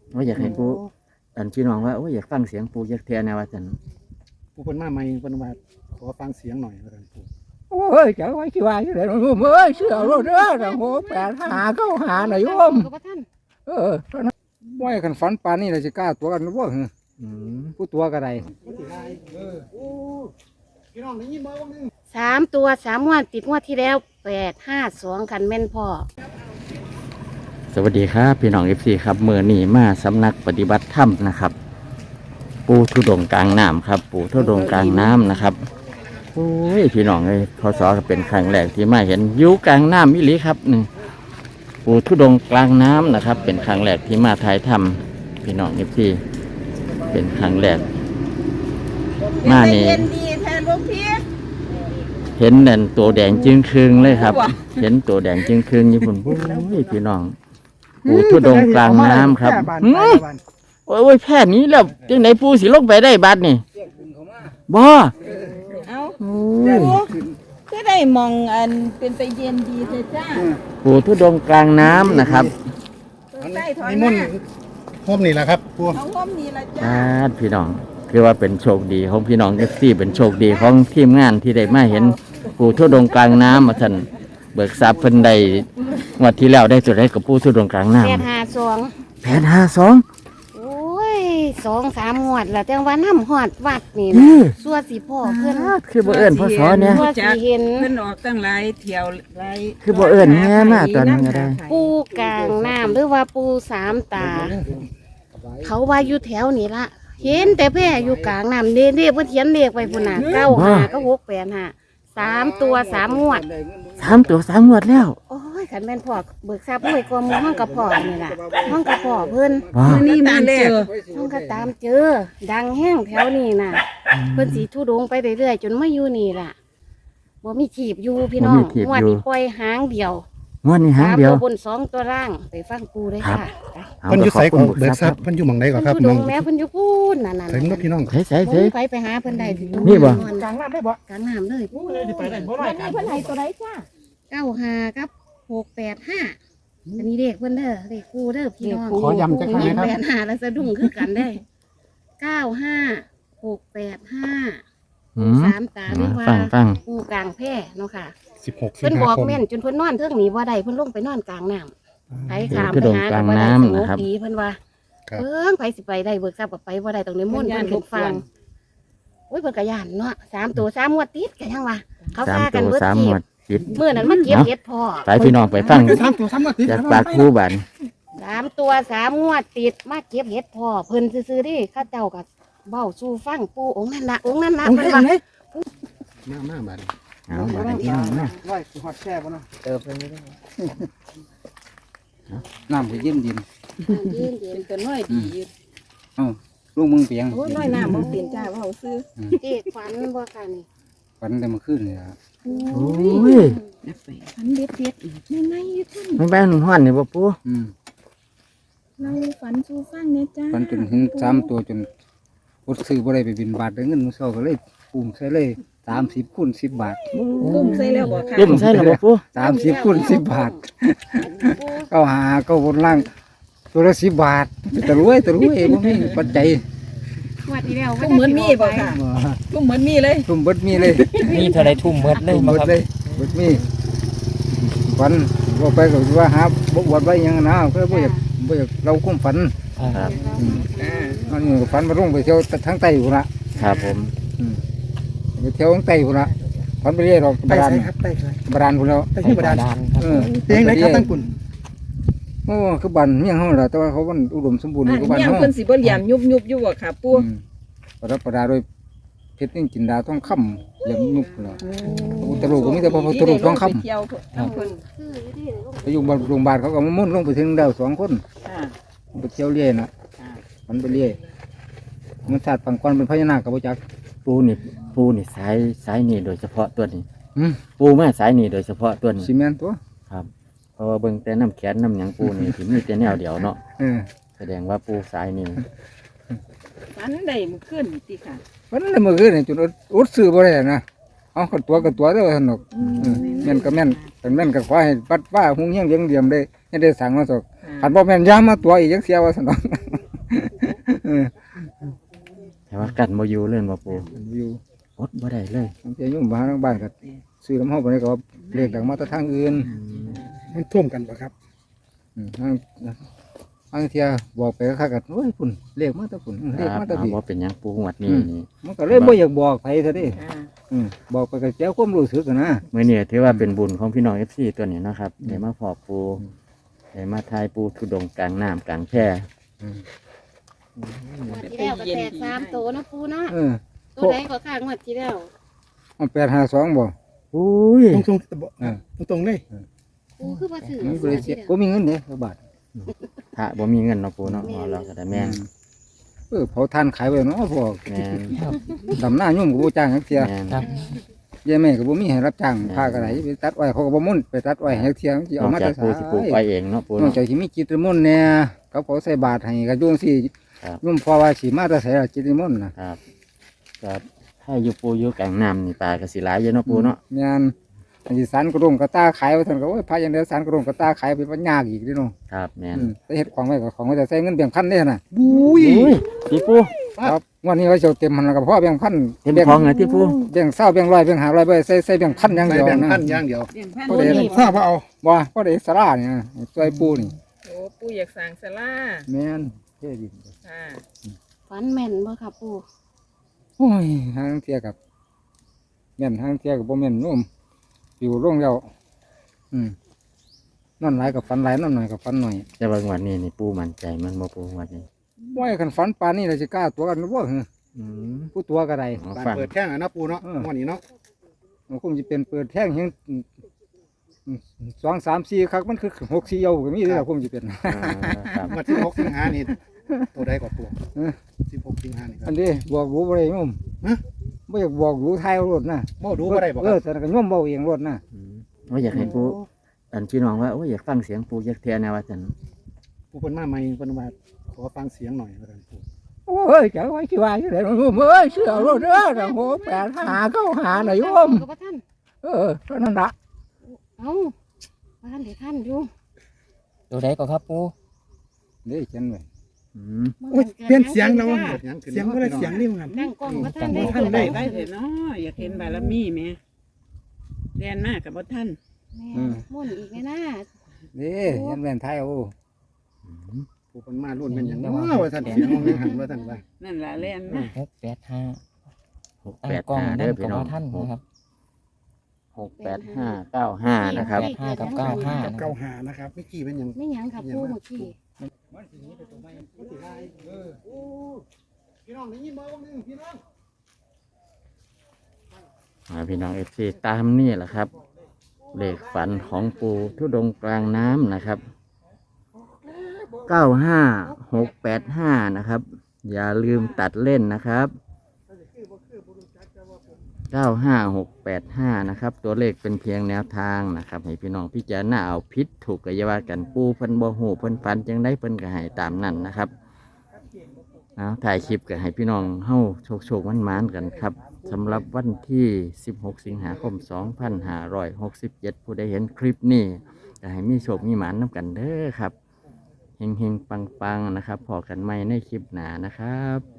ว่าอยากให้ปูอันพี่น้องว่าโอ้ยอยากฟังเสียงปูอยากเทียนแนวว่าจันผู้คนมาใหม่เพิ่นว่าขอฟังเสียงหน่อยว่าซั่นปู่โอ้ยจะไว้ที่ว่าที่ไหนโยมเอ้ยเชื่อรถเด้อโอ้8 5 9 5น่ะโยมว่าคันฝันปานนี้เราจะกล้าตัวกันบ่หืออืมผู้ตัวก็ได้พี่น้องได้ยินบ่ว่านึง 3 ตัว 3 งวดติดงวดที่แล้ว852คันแม่นพ่อสวัสดีครับพี่น้องFCครับเมื่อนี้มาสำนักปฏิบัติธรรมนะครับ ปูทุดงค์กลางน้ำครับ ปูทุดงค์กลางน้ำนะครับโอ้ยพี่น้องเลยพศก็เป็นครั้งแรกที่มาเห็นอยู่กลางน้ำมิลิครับนี่ปูทุดงค์กลางน้ำนะครับ เป็นครั้งแรกที่มาถ่ายทำพี่น้องFCเป็นครั้งแรกมานี่เย็นดีแทนลูกพี่เห็นนั่นตัวแดงจึงครึงเลยครับ เห็นตัวแดงจึงครึงญี่ปุ่นโอ้ยพี่น้องปูทุดงค์กลางน้ำครับโอ้ยแพทย์นี้แล้วจังไหนปูสิลงไปได้บัดนี่บ่เอาโอ้ยก็ได้มองอันเป็นไปเย็นดีเถอะจ้าปูทุดงค์กลางน้ำนะครับใต้ถอยนิหมนน้าต์พบนี่แหละครับปู่เขาห้อมนี่ละจ้าพี่น้องคือว่าเป็นโชคดีของพี่น้องเอฟซีเป็นโชคดีของทีมงานที่ได้มาเห็นปูทุดงค์กลางน้ำมาท่านเบิกทรัพย์เพิ่นได้งวันที่แล้วได้จุดได้กับปูทุดงค์กลางน้ำ 852 852 โอ้ย2-3 งวดแล้วแต่ว่าน้ำฮอดวัดนี่นี่สัวสิพ่อเพิ่นคือบ่เอิ้นพ่อสอเนี่ยสัวสิเห็นเพิ่นออกตั้งหลายเที่ยวหลายคือบ่เอิ้นแม่มาตอนนั้นก็ได้ปูกลางน้ำหรือว่าปูสามตา เขาว่าอยู่แถวนี่ละเห็นแต่แพร่อยู่กลางน้ำเด้เพิ่นเขียนเลขไว้พุ่นน่ะ95ก็685 3 ตัว 3 งวด 3 ตัว3 งวดแล้วโอ้ยขันแม่นพ่อเบิกทรัพย์รวยกว่าหมู่ห้องกับพ่อนี่ล่ะห้องกับพ่อเพิ่นว้านี่มันเจอห้องก็ตามเจอ ดังแห้งแถวนี้น่ะ เพิ่นสีทุดงไปเรื่อยๆจนมาอยู่นี่ล่ะบ่มีถีบอยู่พี่น้องงวดนี้ปล่อยหางเดียวงวดนี้หาง 3 เดียวตัวบน2 ตัวล่างไปฟังปูเลยค่ะเอาเพิ่นอยู่ไสขก็บคุณเบิกทรัพย์เพิ่นอยู่หม่องใดก็ครับเพิ่นทุดงแม่เพิ่นอยู่พูนนั่นถึงเนาะพี่น้องใส่ใส่ผใส่มไปหาเพิ่นได้นี่บ่กลางน้ำได้บ่กลางน้ำเลยสิไปได้บ่ได้กันเพิ่นให้ตัวใดจ้า 95กับ685อันนี้เลขเพิ่นเด้อเลขกูเด้อพี่น้องขอย้ำจักครั้งนะครับ 685แล้วสะดุ้งคือกันได้95 685 อืมสามตาเรียกว่าฟังปูกลางแพร่เนาะค่ะ 16สิเพิ่นงบอหาก คมแม่นจนเพิ่นนอนเทิงหนีบ่ได้เพิ่นลงไปนอนกลางน้ำไปขามคือไปโด่งหากลางบ่ได้น้ำสงนะครับบดีเพิ่นว่าครับไปสิไปได้เบิกทรัพย์ก็ไปบ่ได้ต้องนิมนต์เพิ่นขึ้นฟังโอ้ยเพิ่นก็ย่านเนาะ3 ตัว 3 งวดติดก็ยังว่าเขาสามพากันตัวเบิด 3 ทีงวดติดมื้อนั้นมาเก็บเห็ดพ่อไปพี่น้องไปฟัง 3ตัว3มาติดจากปากครูบัน 3 ตัว 3 งวดติดมาเก็บเห็ดพ่อเพิ่นซื่อๆดิเขาเจ้าก็เว้าสู่ฟังปู่องค์นั้นล่ะองค์นั้นล่ะเพิ่นว่ามาบัดเอาบัดนี้พี่น้องนะร้อยสิฮอดแช่บ่เนาะเติบไปไม่ได้น้ำก็เย็นดินเย็นเป็นตัวน้อยดีลูกมึงเปียงโอ้ยน้อยน้ำบ่เปลี่ยนจ้าเว้าซื้อๆเด็กฝันบ่ค่ะนี่ฝันแต่เมื่อคืนนี่ล่ะโอ้ยฝันเด็ดๆอีกในอยู่ท่านไม่แป้นห้อนนี่บ่ปูอืมเราฝันสู่ฟังเนี่ยจ้าฝันจนเห็น3ตัวจนอดซื้อบ่ได้ไปบินบาทได้เงินมื้อเช้าก็เลยปุ่มใส่เลย30คูณ10 บาทตุ้มใส่แล้วบ่ค่ะเล่มใช่หรือบ่ปู 30คูณ10 บาทเขาหาเขาบนล่างตัวละ10 บาทตะรวยบ่มีปัจจัยงวดที่แล้วตุ้มเหมือนมีบ่ค่ะตุ้มเหมือนมีเลยทุ่มเบิดมีเลยมีเท่าไรทุ่มเบิดเลยทุ่มเบิดเลยเบิดมีฝันว่าไปก็ว่าหาบ่อวดไว้หยังนะก็บ่อยากเราคุ้มฝันครับอันนี้ก็ฝันมาลงไปเที่ยวทางใต้พุ่นละครับผมไปเที่ยวทางใต้พุ่นละฝันไปเรื่อยหรอกไปบาดาไสลครับไปไสบาดาลพุ่นแล้วไปที่บาดาลเออเตียงไหนครับตั้งปุ่นโอ้คือบ้านเมียงเฮาล่ะแต่ว่าเขามันอุดมสมบูรณ์กว่าบ้านยังเฮาเพิ่นสิบ่เหลี่ยมยุบๆอยู่บ่ค่ะปู่ประดับประดาด้วยเพชรนิ่งจินดาต้องค่ำเหลี่ยมยุบพุ่นละอุตรุก็มีแต่พระพุทธรูปต้องค่ไปเที่ยวทั้งเพิ่นำไปอยู่บ้านโรงพยาบาลเขาก็มามุ่นลงไปถึงดาว2 คนค่ะไปเที่ยวเรื่อยน่ะมันไปเรื่อยมันศาสตร์ปังกรเป็นพญานาคกับพระจักปูนี่สายนี่โดยเฉพาะตัวนี้อืมปูมาสายนี่โดยเฉพาะตัวนี้ซีเมนต์ตัวครับเพราะว่าเบิ่งแต่น้ำแขนน้ำหยังปูนี่ที่มีแต่แนวเดียวเนาะเออแสดงว่าปูสายนี่ฝันได้มื้อคืนติค่ะวันนั้นเมื่อคืนนี่จนอดซื้อบ่ได้นะเอากันตัวกันตัวเด้อสนุกแม่นก็แม่นเป็นแม่นก็ขอให้ปัดป้าหุงเฮียงเลี้ยงเดียมได้ให้ได้สั่งมาสกขันบ่แม่นยามมาตัวอีกจังเสียว่าสนุกแต่ว่ากันบ่อยู่เล่นบ่ปูอยู่อดบ่ได้เลยบางทียุ่งบ้านทางบ้านก็ซื้อน้ำเฮาไปก็เลขดังมาแต่ทางอื่นมันท่วมกันปะครับบางเทียบอกไปก็คักกันโอ้ยพุ่นเลขมาแต่พุ่นเลขมาแต่เอาพี่บ่เป็นหยังปูงวดนี้นี่มันก็เลยบ่อยากบอกไปซะดิบอกไปก็เจ้าความรู้สึกกันนะมื้อนี้ถือว่าเป็นบุญของพี่น้อง FC ตัวนี้เนาะครับได้มาพอปูได้มาทายปูทุดงค์กลางน้ำกลางแพร่งวดที่แล้วก็แตก3ตัวเนาะปูเนาะเออตัวใดก็ข้างงวดที่แล้วมัน852บ่อุ้ยตรงตรงเลยปูคือบ่ถือมีบริษัทก็มีเงินเด้บาทถ้าบ่มีเงินเนาะปูเนาะอ๋อเราก็ได้แม่นเผาทานขายไว้เนาะพวกแม่นดำหน้ายุ่งกับบ่จ้างจักเที่ยแม่นยายแม่ก็บ่มีให้รับจ้างพาก็ได้ไปตัดอ้อยเขาก็บ่มุ่นไปตัดอ้อยให้จักเที่ยสินเอาอกมาจาแต่กปูสิปลูกไว้เองเนาะปูนอกเนาะจากสิมีจิตรมนต์แน่เขาเขาใส่บาตรให้ก็ยุ่งสิครับยุ่งพอว่าสิมาแต่ใส่จิตรมนต์น่ะครับก็ถ้าอยู่ปูอยู่กลางน้ำนี่ปลาก็สิหลายอยู่เนาะปูเนาะแม่นอันสิสันกระดงกระตาขายว่าซั่นก็โอ้ยพาอย่างเดียวสันกระดงกระตาขายไปมันยากอีกเด้เนาะครับแม่นไปเฮ็ดของไว้ก็ของไว้แต่ใส่เงินแบ่งพันเด้น่ะอุ้ยอุ้ยพี่ปูครับวันนี้ไว้เจ้าเต็มมันแล้วก็พอแบ่งพันเต็มท้องเลยที่ปูแบ่ง20แบ่ง100แบ่ง500ไปใส่แบ่งพันอย่างใส่เดียวแบ่งนะพันอย่างเดียวเปลี่ยนพันบ่ได้นี่ทราบว่าเอาบ่บ่ได้สลาเนี่ยช่วยปูนี่โอ้ปู่อยากสั่งสลาแม่นเท่ดิค่ะฝันแม่นบ่ค่ะปูโอ้ยทางเที่ยกับแม่นทางเที่ยกับบ่แม่นนุ่มอยู่ร่วงแล้วนอนหลายกับฝันหลายนอนหน่อยกับฝันหน่อยแต่ว่างวดนี้นี่ปูมั่นใจมันบ่ปูงวดนี้บ่ให้คันฝันปานนี้เราสิกล้าตัวกันบ่เหรออืมผู้ตัวก็ได้เอาการฟังเปิดแข้งอะนะปูเนาะวันนี้เนาะมันคงสิเป็นเปิดแท่งเฮง2 3 4ครั้งมันคือ6 4เยาก็มีเด้อคงสิเป็นครับวันที่6 สิงหานี่ตัวใดกว่าตัวเออ 16 สิงหานี่คอัรับนนี้บอกรู้บ่ได้โยมฮะบ่อยากบอกรู้ทายเอารถนะบ่ดูบ่ได้บ่คเอรัอบ แต่ก็โยมเว้าเองรถนะว่าอยากให้ปูอันพี่น้องว่าโอ้ยอยากฟังเสียงปูอยากเทียนนะว่าจันปูเพิ่นมาใหม่เพิ่นว่าขอฟังเสียงหน่อยว่าซั่นปูโอ้ยจะไว้สิว่าจังได๋โยมเอ้ยเชื่อรถเด้อถ้าโห8 5 9 5น่ะโยมก็บ่ทันเท่านั้นล่ะเอ้าบ่ทันได้ทันอยู่ตัวใดก็ครับปูนี่เขียนไว้อืมโอ้ยเปลี่ยนเสียงแล้วเกิดหยังขึ้นเสียงก็ได้เสียงนี่มันนั่งกล้องบ่ทันได้บ่ทันได้ได้เถอะเนาะอยากเห็นบารมีแหม่เรียนมากกับบ่ท่านแม่มุ่นอีกแม่นะนี่เขียนแว่นไทยเอาปูเพิ่นมารุ่นเป็นหยังเนาะว่าซั่นเสียงมันหันว่าซั่นว่านั่นล่ะเรียนมา 685 685 กล้องเด้นั่อน พี่ก็น้องบ่ท่านนะครับ 68595นะครับ 5กับ95นะคเก้ารับหานะครับเมื่อกี้เป็นหยังไม่หยังค่ะปูเมื่อกี้พี่น้องได้ยินบ่ว่านึงพี่น้องพี่น้อง FC ตามนี่แหละครับเลขฝันของปูทุดงค์กลางน้ำนะครับ95685นะครับ อย่าลืมตัดเล่นนะครับ95685นะครับตัวเลขเป็นเพียงแนวทางนะครับให้พี่น้องพิจารณาเอาพิษถูกกอยาว่ากันปูเพิ่นบ่ฮู้เพิ่นฝันจังได้เพิ่นก็ให้ตามนั้นนะครับเอาถ่ายคลิปก็ให้พี่น้องเฮาโชคๆมันๆกันครับสำหรับวันที่16 สิงหาคม 2567 ผู้ใดเห็นคลิปนี้ก็ให้มีโชคมีหมานนำกันเด้อครับเฮงๆปังๆนะครับพอกันใหม่ในคลิปหน้านะครับ